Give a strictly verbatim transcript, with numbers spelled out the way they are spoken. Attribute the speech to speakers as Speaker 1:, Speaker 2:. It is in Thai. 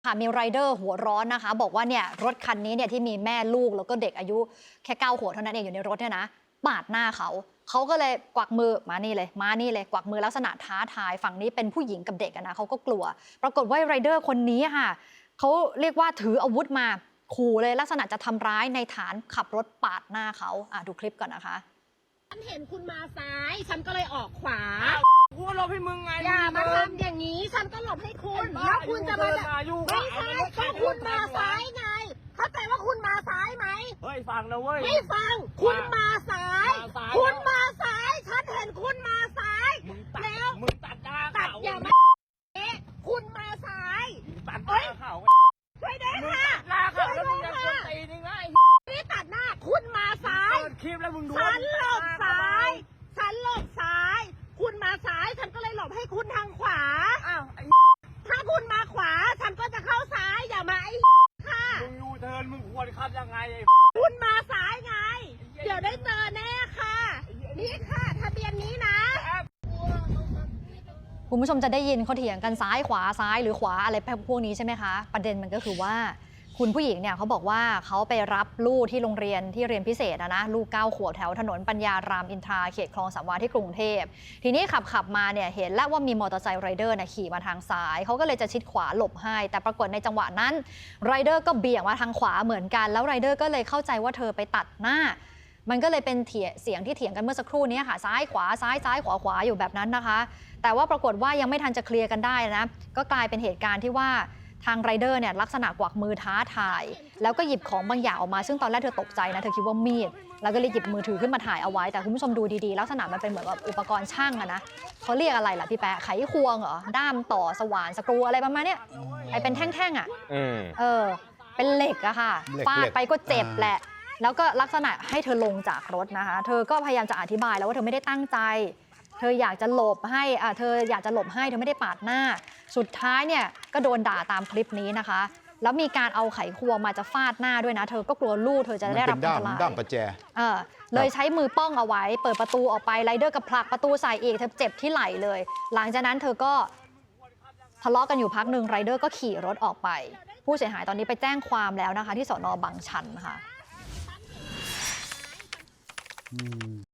Speaker 1: ค่ะมีไรเดอร์หัวร้อนนะคะบอกว่าเนี่ยรถคันนี้เนี่ยที่มีแม่ลูกแล้วก็เด็กอายุแค่เก้าขวบเท่านั้นเองอยู่ในรถเนี่ยนะปาดหน้าเขาเขาก็เลยกวักมือมานี่เลยมานี่เลยกวักมือลักษณะท้าทายฝั่งนี้เป็นผู้หญิงกับเด็กนะเขาก็กลัวปรากฏว่าไรเดอร์คนนี้ค่ะเขาเรียกว่าถืออาวุธมาขู่เลยลักษณะจะทำร้ายในฐานขับรถปาดหน้าเขาอ่ะดูคลิปก่อนนะคะ
Speaker 2: ฉันเห็นคุณมาซ้ายฉันก็เลยออกขวา
Speaker 3: กูหลบให้มึงไง
Speaker 2: อย่ามาทำอย่างนี้ฉันก็หลบให้คุณแล้วคุณจะมาไม่ใช่ก็คุณมาซ้ายไงเข้าใจว่าคุณมาซ้ายไหม
Speaker 3: เฮ้ยฟังนะเว้ย
Speaker 2: ไม่ฟังคุณมาซ้ายคุณมาซ้ายฉันเห็นคุณมาซ้ายแล้ว
Speaker 3: มึงตัดหน้า
Speaker 2: ตัด
Speaker 3: เขา
Speaker 2: อย่ามาคุณมาซ้าย
Speaker 3: ตัดหน้าเขา
Speaker 2: ช่วยด้วยค่ะ
Speaker 3: หน้าเขาแล้วมึงยังคนตีนี่ไง
Speaker 2: นี่ตัดหน้าคุณมาซ้าย
Speaker 3: เปิดคลิปแล้วมึงดู
Speaker 2: ฉันหลบซ้ายฉันหลบซ้ายคุณมาซ้ายฉันก็เลยหลบให้คุณทางขวา
Speaker 3: อ้าว
Speaker 2: ถ้าคุณมาขวาฉันก็จะเข้าซ้ายอย่ามาไอ้ค่ะ
Speaker 3: มึงยูเทิร์นมึงควรขับยังไงไอ้
Speaker 2: คุณมาซ้ายไงเดี๋ยวได้เจอแน่ค่ะนี่ค่ะทะเบียนนี้นะ
Speaker 1: คุณผู้ชมจะได้ยินเขาเถียงกันซ้ายขวาซ้ายหรือขวาอะไรพวกนี้ใช่ไหมคะประเด็นมันก็คือว่าคุณผู้หญิงเนี่ยเขาบอกว่าเขาไปรับลูกที่โรงเรียนที่เรียนพิเศษนะนะลูกเก้าขวบแถวถนนปัญญารามอินทราเขตคลองสามวาที่กรุงเทพทีนี้ขับขับมาเนี่ยเห็นแล้วว่ามีมอเตอร์ไซค์ไรเดอร์เนี่ยขี่มาทางซ้ายเขาก็เลยจะชิดขวาหลบให้แต่ปรากฏในจังหวะนั้นไรเดอร์ก็เบี่ยงมาทางขวาเหมือนกันแล้วไรเดอร์ก็เลยเข้าใจว่าเธอไปตัดหน้ามันก็เลยเป็นเสียงที่เถียงกันเมื่อสักครู่นี้ค่ะซ้ายขวาซ้ายซ้ายขวาขวาอยู่แบบนั้นนะคะแต่ว่าปรากฏว่ายังไม่ทันจะเคลียร์กันได้นะก็กลายเป็นเหตุการณ์ที่ว่าทางไรเดอร์เนี่ยลักษณะกวักมือท้าทายแล้วก็หยิบของบางอย่างออกมาซึ่งตอนแรกเธอตกใจนะเธอคิดว่ามีดแล้วก็เลยหยิบมือถือขึ้นมาถ่ายเอาไว้แต่คุณผู้ชมดูดีๆลักษณะมันเป็นเหมือนแบบอุปกรณ์ช่างอะนะเขาเรียกอะไรล่ะพี่แปะไขควงเหรอด้ามต่อสว่านสกรูอะไรประมาณนี้ไอเป็นแท่งๆอะเออเป็นเหล็กอะค่ะฟาดไปก็เจ็บแหละแล้วก็ลักษณะให้เธอลงจากรถนะคะเธอก็พยายามจะอธิบายแล้วว่าเธอไม่ได้ตั้งใจเธออยากจะหลบให้อ่าเธออยากจะหลบให้เธอไม่ได้ปาดหน้าสุดท้ายเนี่ยก็โดนด่าตามคลิปนี้นะคะแล้วมีการเอาไขควงมาจะฟาดหน้าด้วยนะเธอก็กลัวลูกเธอจะได้รับอันตราย
Speaker 4: ด้ามประแจ
Speaker 1: เออเลยใช้มือป้องเอาไว้เปิดประตูออกไปไรเดอร์กับผลักประตูใส่อีกเธอเจ็บที่ไหล่เลยหลังจากนั้นเธอก็ทะเลาะกันอยู่พักหนึ่งไรเดอร์ก็ขี่รถออกไปผู้เสียหายตอนนี้ไปแจ้งความแล้วนะคะที่สน.บางชันค่ะ